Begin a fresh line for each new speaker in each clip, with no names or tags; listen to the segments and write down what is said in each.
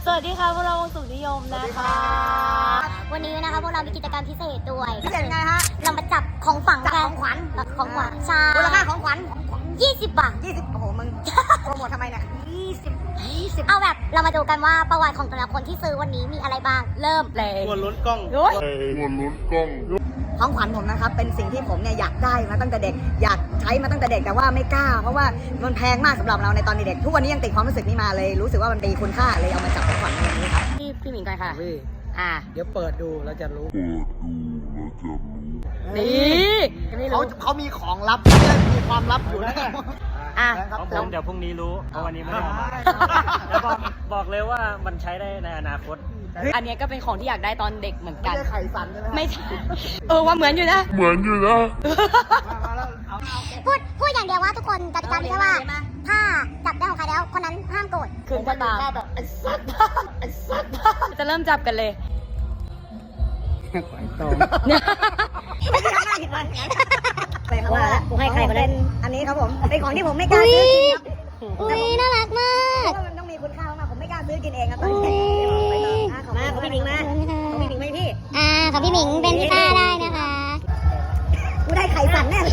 สวัสดีค่ะพวกเราวงสุขนิยมนะคะวันนี้นะคะพวกเรามีกิจกรรมพิเศษด้วย
พิเศษไงฮะ
เรามาจับของฝังกัน
ของขวัญ
ใช่
มูลค่าของขวัญ
20 บาท
20โอ้โหมึงโปรโมททำไมเนี่ย20
เอาแบบเรามาดูกันว่าประวัติของแต่ละคนที่ซื้อวันนี้มีอะไรบ้างเริ่มเลย
วนลุ้นกล้อง
ของขวัญผมนะครับเป็นสิ่งที่ผมเนี่ยอยากได้มาตั้งแต่เด็กอยากใช้มาตั้งแต่เด็กแต่ว่าไม่กล้าเพราะว่ามันแพงมากสำหรับเราในตอนเด็กทุกวันนี้ยังติดความรู้สึกนี้มาเลยรู้สึกว่ามันมีคุณค่าเลยเอามาจับของขวัญในวันนี้ครับ
พี่หมิงก่อนค่ะ
เดี๋ยวเปิดดูเราจะรู้
นี่
เขามีของลับเนี่ยมีความลับอยู่นะ
ของผมเดี๋ยวพรุ่งนี้รู้เพราะวันนี้ไม่ได้เอามาแล้วบอกเลยว่ามันใช้ได้ในอนาคต
อันนี้ก็เป็นของที่อยากได้ตอนเด็กเหมือน
ไม่
กัน
ใช่ไข่สันใช่ไหม
ไม่ใช่ว่าเหมือนอยู่นะพูดอย่างเดียวว่าทุกคนกติกาไม่ใช่ว่าถ้าจับได้ของใครแล้วคนนั้นห้ามโกรธคืนก็ตาม
แบบไอ้สัตว์
จะเริ่มจับกันเลย
ไข่ตรง
ไม่ได้ทำหน้าผิดวันว่ากูให้ใครก็ได้อันนี้ครับผมเป็นของที่ผมไม่กล้าซื้อกินครับ
อุ้ยน่ารักมาก
เพราะว่ามันต้องมีคุณค่ามากผมไม่กล้าซื้อกินเองครับตอนนี้ของพี่หมิงมาของพี่หมิงไหมพี่
ของพี่หมิงเป็นพี่ต้าได้นะคะ
กูได้ไข่สั่นแน่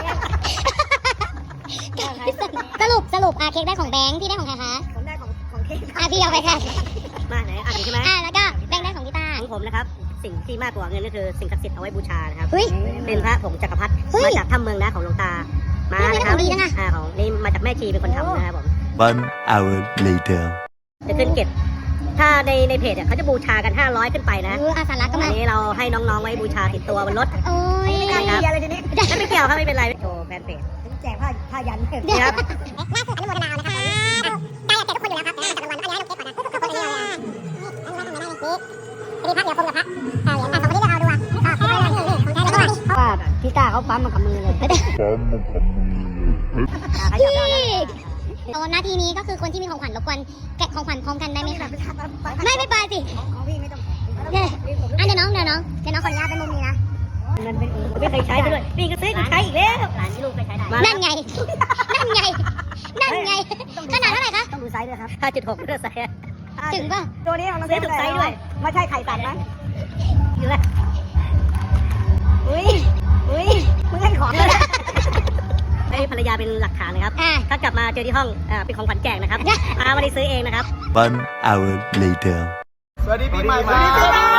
สรุปเค้กได้ของแบงค์พี่ได้ของใครคะ
ผมได้ของเค้ก
พี่เอาไปค่ะ
มาไหนอ่านใช่ไหม
แล้วก็แบงค์ได้ของพี่ต้า
ของผมนะครับสิ่งที่มากกว่าเงินก็คือสิ่งศักดิ์สิทธิ์เอาไว้บูชานะครับ
เฮ้ย
เป็นพระผงจักรพรรดิมาจากถ้ำเมืองนะของหลวงตามานะครับของนี่มาจากแม่ชีเป็นคนทำนะครับผม
1 hour later
จะขึ้นเก็บถ้าในเพจเขาจะบูชากัน500ขึ้นไปนะ
อาสารักก็
อั
มาน
นี้เราให้น้องๆไว้บูชาติดตัวบนรถ
โอ้ย
ไม่ได้อะไรทีนี้ไม่เกี่ยวครับไม่เป็นไรโชว์แฟนเพจแจกผ้ายันครับ
ล่าสุดอนุโมทนาเอานะคะได้อยากเก็บทุกคนอยู่แล้วครับจับรางวัลเอาให้เราเก็บก่อนนะทุกคนเลยนี่พักเดี๋ยวคงกับพักเหรียญ2คนนี้จะเอาดูอ่ะของแท้เลยว่าพี่ต้าเขาปั๊มมากับมือเลยนาทีนี้ก็คือคนที่มีของขวัญรบกวนแกะของขวัญพร้อมกันได้ไหมคะไม่ไปสิ
ของพี่ไม่ต้อง
เดี๋ยวน้องขออนุญาตเป็นมุมนี้นะ
มันไม่เคยใช้ด้วยพี่ก็ซื้อใช้อีกแล้วหลานที่ลูกเคยใช้ได้
นั่นไงขนาดเท่าไหร่คะ
ต้องดูไซส์ด้วยครับ 5.6 ด้วยไซส์
ถึงป่ะ
ตัวนี้ของน้องเซฟถูกไซส์ด้วยไม่ใช่ไข่ตัดนะอยู่แล้วอุ้ยมึงให้ของเลยให้ภรรยาเป็นหลักฐานนะครับถ้ากลับมาเจอที่ห้องเป็นของขวัญแจกนะครับไม่ได้ซื้อเองนะครับ
1 hour later
สวัสดีปีใหม่